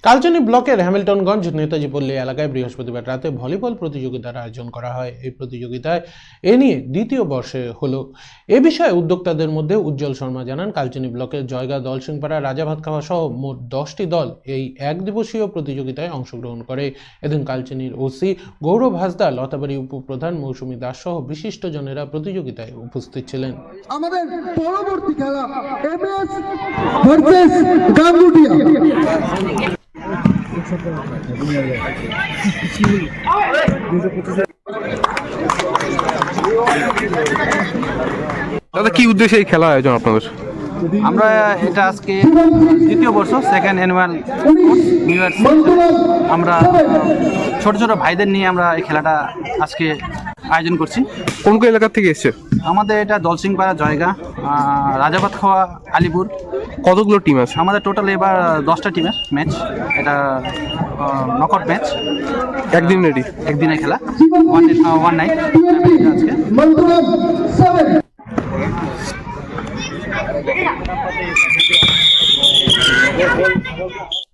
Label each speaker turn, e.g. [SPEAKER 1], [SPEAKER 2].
[SPEAKER 1] কালচিনি ব্লকের হ্যামিল্টনগঞ্জ নেতাজি পল্লী এলাকায় বৃহস্পতিবার রাতে ভলিবল প্রতিযোগিতার আয়োজন করা হয়। এই প্রতিযোগিতায় এ নিয়ে দ্বিতীয় বর্ষে হলো। এ বিষয়ে উদ্যোক্তাদের মধ্যে উজ্জ্বল শর্মা জানান, কালচিনি ব্লকের জয়গা, দলসিংপাড়া, রাজাভাতখাওয়া সহ মোট 10টি দল এই এক দিবসীয় প্রতিযোগিতায় অংশগ্রহণ করে। এদিন কালচিনির ওসি গৌরব হাসদা, লতাবাড়ি উপপ্রধান মৌসুমী দাস সহ বিশিষ্টজনেরা প্রতিযোগিতায় উপস্থিত ছিলেন।
[SPEAKER 2] আমাদের পরবর্তী খেলা এমএস ভার্সেস গাঙ্গুটিয়া।
[SPEAKER 3] দাদা, কি উদ্দেশ্যে এই খেলা আয়োজন আপনাদের?
[SPEAKER 4] আমরা এটা আজকে দ্বিতীয় বর্ষ, সেকেন্ড অ্যানুয়াল নিউ ইয়ার। আমরা ছোট ছোট ভাইদের নিয়ে আমরা এই খেলাটা আজকে আয়োজন করছি।
[SPEAKER 3] কোন কোন এলাকা থেকে এসছে?
[SPEAKER 4] আমাদের এটা দলসিংপাড়া, জয়গা, রাজাভাতখাওয়া, আলিপুর।
[SPEAKER 3] কতগুলো টিম আছে?
[SPEAKER 4] আমাদের টোটাল এবার 10টা টিমের ম্যাচ। এটা নকআউট ম্যাচ, একদিনের খেলা, ওয়ান নাইট আজকে।